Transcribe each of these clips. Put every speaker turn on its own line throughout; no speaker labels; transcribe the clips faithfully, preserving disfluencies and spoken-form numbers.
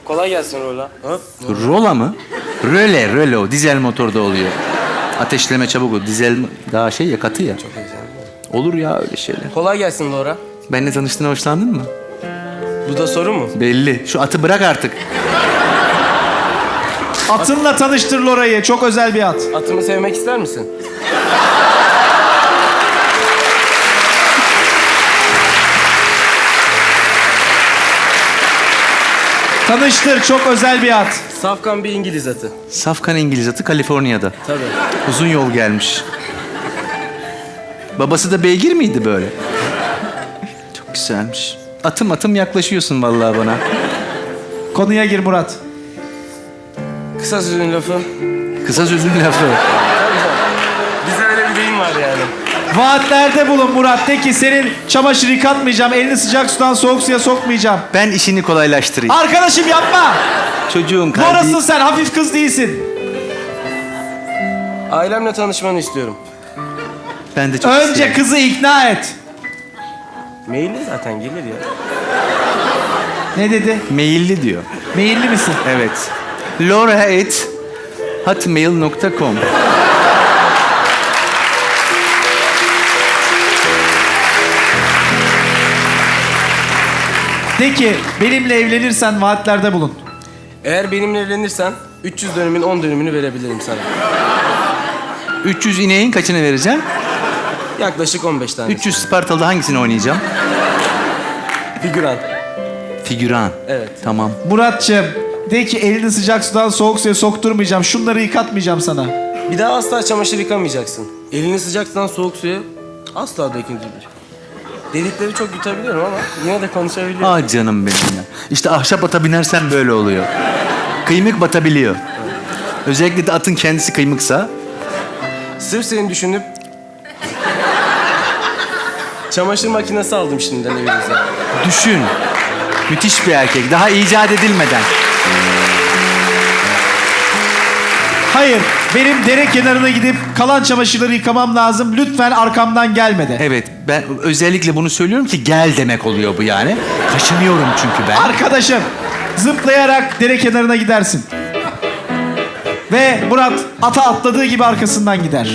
Kolay gelsin Rola. Hop.
Rola mı? Röle, röle o. Dizel motorda oluyor. Ateşleme çabuk o. Dizel daha şey ya, katı ya.
Çok heyecanlı.
Olur ya öyle şeyler.
Kolay gelsin Laura.
Benimle tanıştığına hoşlandın mı?
Bu da soru mu?
Belli. Şu atı bırak artık.
Atınla tanıştır Lora'yı. Çok özel bir at.
Atımı sevmek ister misin?
Tanıştır. Çok özel bir at.
Safkan bir İngiliz atı.
Safkan İngiliz atı Kaliforniya'da.
Tabii.
Uzun yol gelmiş. Babası da beygir miydi böyle? Çok güzelmiş. Atım atım yaklaşıyorsun vallahi bana.
Konuya gir Murat.
Kısa sözün lafı.
Kısa sözün lafı.
Bize öyle bir deyim var yani.
Vaatlerde bulun Murat. De ki senin çamaşır yıkatmayacağım. Elini sıcak sudan soğuk suya sokmayacağım.
Ben işini kolaylaştırayım.
Arkadaşım yapma.
Çocuğun kalbi...
Morasın sen. Hafif kız değilsin.
Ailemle tanışmanı istiyorum.
Ben de çok
Önce
isterim.
kızı ikna et.
Maille zaten gelir ya.
Ne dedi?
Meyilli diyor.
Meyilli misin?
Evet. Laura at hotmail nokta com.
De ki benimle evlenirsen vaatlerde bulun.
Eğer benimle evlenirsen üç yüz dönümün on dönümünü verebilirim sana.
üç yüz ineğin kaçını vereceğim?
Yaklaşık on beş tane.
üç yüz Spartalı'da hangisini oynayacağım?
Figüran.
Figüran.
Evet.
Tamam.
Muratçığım de ki elini sıcak sudan soğuk suya sokturmayacağım. Şunları yıkatmayacağım sana.
Bir daha asla çamaşır yıkamayacaksın. Elini sıcak sudan soğuk suya asla döküntüdür. Dedikleri çok yutabiliyorum ama yine de konuşabiliyorum.
Ah canım benim ya. İşte ahşap ata binersen böyle oluyor. Kıymık batabiliyor. Özellikle de atın kendisi kıymıksa.
Sırf seni düşünüp çamaşır makinesi aldım şimdiden evinize.
Düşün. Müthiş bir erkek. Daha icat edilmeden.
Hayır, benim dere kenarına gidip kalan çamaşırları yıkamam lazım. Lütfen arkamdan gelme de.
Evet, ben özellikle bunu söylüyorum ki gel demek oluyor bu yani. Kaçınıyorum çünkü ben.
Arkadaşım, zıplayarak dere kenarına gidersin. Ve Murat ata atladığı gibi arkasından gider.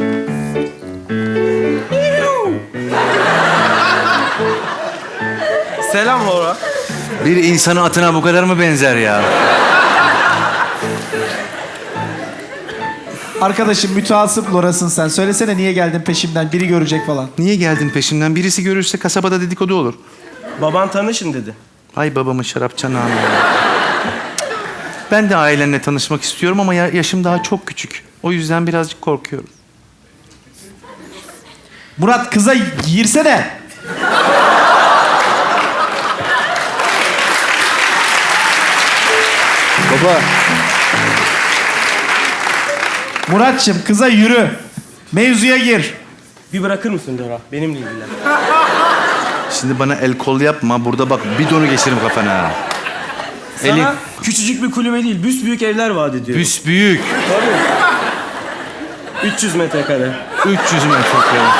Selam Laura.
Bir insanın atına bu kadar mı benzer ya?
Arkadaşım müteasıp Lora'sın sen. Söylesene niye geldin peşimden? Biri görecek falan.
Niye geldin peşimden? Birisi görürse kasabada dedikodu olur.
Baban tanışın dedi.
Ay babamın şarap çanağına. Ben de ailenle tanışmak istiyorum ama ya- yaşım daha çok küçük. O yüzden birazcık korkuyorum.
Murat kıza girsene.
Baba,
Muratçım kıza yürü. Mevzuya gir.
Bir bırakır mısın Laura? Benimle ilgilen.
şimdi bana el kol yapma. Burada bak bidonu geçiririm kafana.
Sana
Elin
küçücük bir kulübe değil, büsbüyük evler vaat ediyor.
büsbüyük.
Tabii. üç yüz metrekare.
üç yüz metrekare.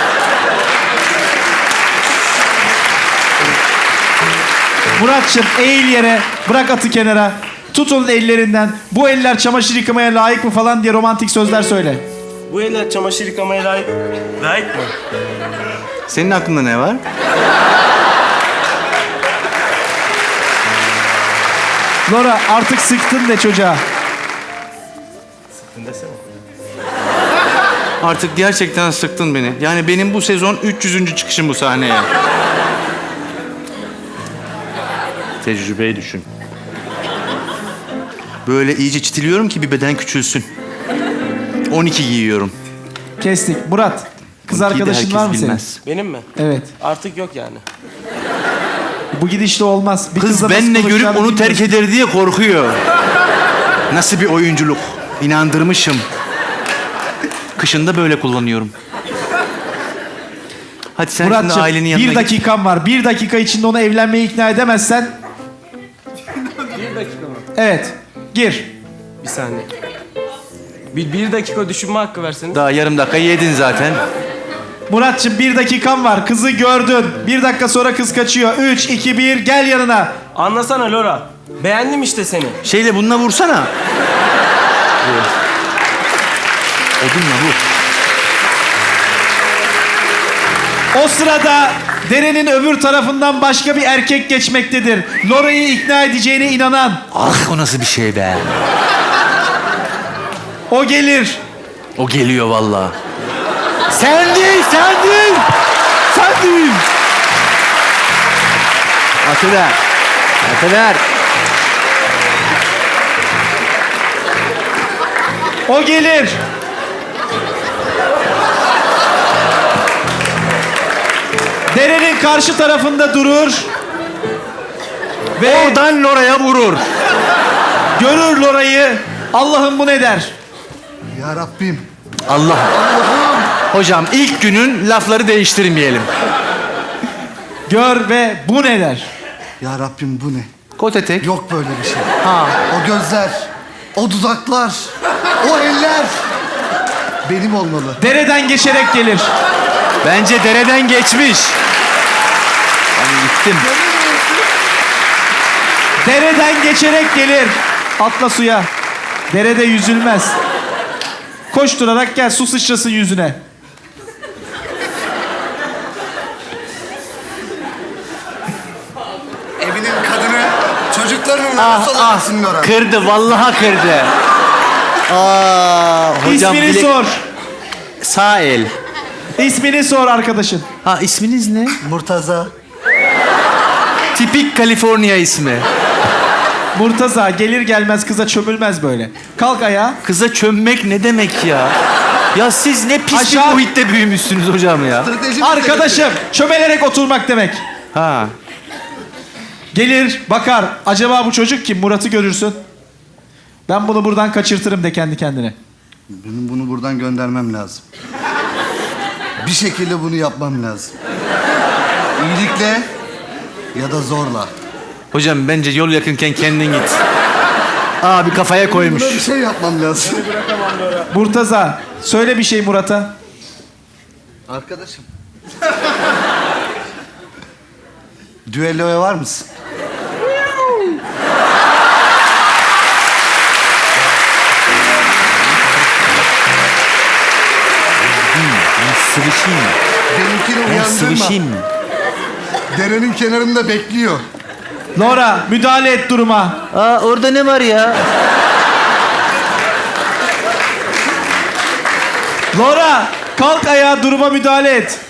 Muratçım eğil yere. Bırak atı kenara. Tut onun ellerinden. Bu eller çamaşır yıkamaya layık mı falan diye romantik sözler söyle.
Bu eller çamaşır yıkamaya layık, layık mı?
Senin aklında ne var?
Laura artık sıktın de çocuğa.
Sıktın desene.
Artık gerçekten sıktın beni. Yani benim bu sezon üç yüzüncü çıkışım bu sahneye. Tecrübeyi düşün. Böyle iyice çitiliyorum ki bir beden küçülsün. on iki giyiyorum.
Kestik. Murat, kız
on ikiyi de
arkadaşın
herkes
var mı senin?
bilmez.
Benim mi?
Evet.
Artık yok yani.
Bu gidişle olmaz. Bir
Kız
kızla nasıl
benle görüp
konuşacağını
onu terk
bilmiyorsun.
eder diye korkuyor. Nasıl bir oyunculuk? İnandırmışım. Kışında böyle kullanıyorum. Hadi sen şimdi
Muratçım
ailenin yanına
bir
git.
dakikan var. Bir dakika içinde onu evlenmeye ikna edemezsen...
Bir dakika mı?
Evet. Gir.
Bir saniye. Bir, bir dakika düşünme hakkı verseniz.
Daha yarım dakika yedin zaten.
Muratçım bir dakikan var. Kızı gördün. Bir dakika sonra kız kaçıyor. Üç, iki, bir, gel yanına.
Anlasana Lora. Beğendim işte seni.
Şeyle bununla vursana. Odunla vur.
O sırada derenin öbür tarafından başka bir erkek geçmektedir. Lora'yı ikna edeceğine inanan.
Ah o nasıl bir şey be.
O gelir.
O geliyor vallahi. Sen değil, sen değil. Sen değil. Atı ver. Atı ver.
O gelir. Derenin karşı tarafında durur. Ve
Oradan Lora'ya vurur.
görür Lora'yı. Allah'ım bu ne der?
Ya Rabbim.
Allah. Hocam ilk günün lafları değiştirmeyelim.
Gör ve bu ne der?
Ya Rabbim bu ne?
Kot etek.
Yok böyle bir şey.
Ha.
O gözler, o dudaklar, o eller benim olmalı.
Dereden geçerek gelir.
Bence dereden geçmiş. Ben gittim.
Dereden geçerek gelir. Atla suya. Derede yüzülmez. Koşturarak gel, su sıçrasın yüzüne.
Evinin kadını çocuklarının
Ah
nasıl
ah.
olacaksın Nora?
Kırdı vallahi kırdı. Aa, hocam
İsmini
bilek-
sor.
Sağ el.
İsmini sor arkadaşın.
Ha isminiz ne?
Murtaza.
Tipik Kaliforniya ismi.
Murtaza gelir gelmez kıza çömülmez böyle. Kalk ayağa.
Kıza çömmek ne demek ya? Ya siz ne pis
Aşağı-
bir muhitte büyümüşsünüz hocam ya.
Stratejik
Arkadaşım çömelerek oturmak demek.
Ha.
Gelir bakar. Acaba bu çocuk kim? Murat'ı görürsün. Ben bunu buradan kaçırtırım de kendi kendine.
Benim bunu buradan göndermem lazım. Bir şekilde bunu yapmam lazım. İyilikle ya da zorla.
Hocam bence yol yakınken kendin git. Abi kafaya koymuş.
Buna bir şey yapmam lazım.
Murtaza söyle bir şey Murat'a.
Arkadaşım. Düelloya var mısın?
Sıvışayım mı?
Benimkini
Ben
uyandırma.
sıvışayım mı?
Derenin kenarında bekliyor.
Laura müdahale et duruma.
Aa orada ne var ya?
Laura kalk ayağa, duruma müdahale et.